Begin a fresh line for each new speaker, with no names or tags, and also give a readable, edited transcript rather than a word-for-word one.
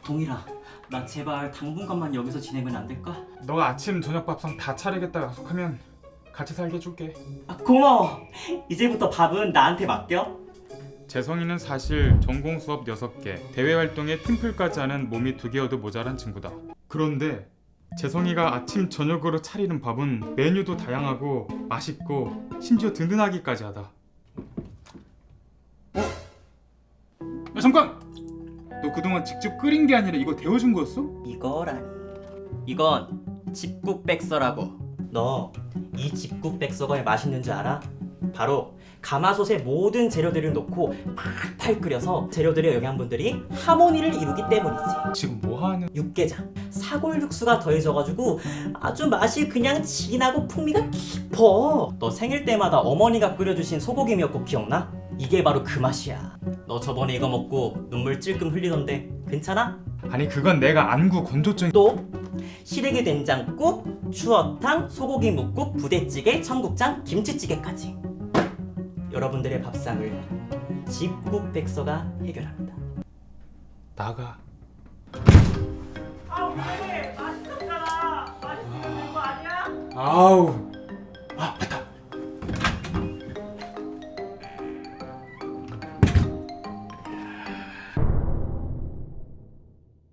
동일아, 나 제발 당분간만 여기서 지내면 안 될까?
너가 아침 저녁 밥상 다 차리겠다 약속하면 같이 살게 해줄게.
고마워. 이제부터 밥은 나한테 맡겨.
재성이는 사실 전공 수업 6개, 대외 활동에 팀플까지 하는 몸이 2개여도 모자란 친구다. 그런데 재성이가 아침 저녁으로 차리는 밥은 메뉴도 다양하고 맛있고 심지어 든든하기까지 하다. 야, 잠깐! 너 그동안 직접 끓인 게 아니라 이거 데워준 거였어?
이거라니. 이건 집국백서라고. 너 이 집국백서가 왜 맛있는 줄 알아? 바로 가마솥에 모든 재료들을 넣고 팔팔 끓여서 재료들의 영양분들이 하모니를 이루기 때문이지.
지금 뭐하는...
육개장, 사골 육수가 더해져가지고 아주 맛이 그냥 진하고 풍미가 깊어. 너 생일 때마다 어머니가 끓여주신 소고기 미역국 기억나? 이게 바로 그 맛이야. 너 저번에 이거 먹고 눈물 찔끔 흘리던데 괜찮아?
아니 그건 내가 안구 건조증...
또 시래기 된장국, 추어탕, 소고기 묵국, 부대찌개, 청국장, 김치찌개까지 여러분들의 밥상을 집국백서가 해결합니다.
나가.
아 왜? 맛있었잖아. 맛있으면 된거 아니야?
아우... 아 맞다.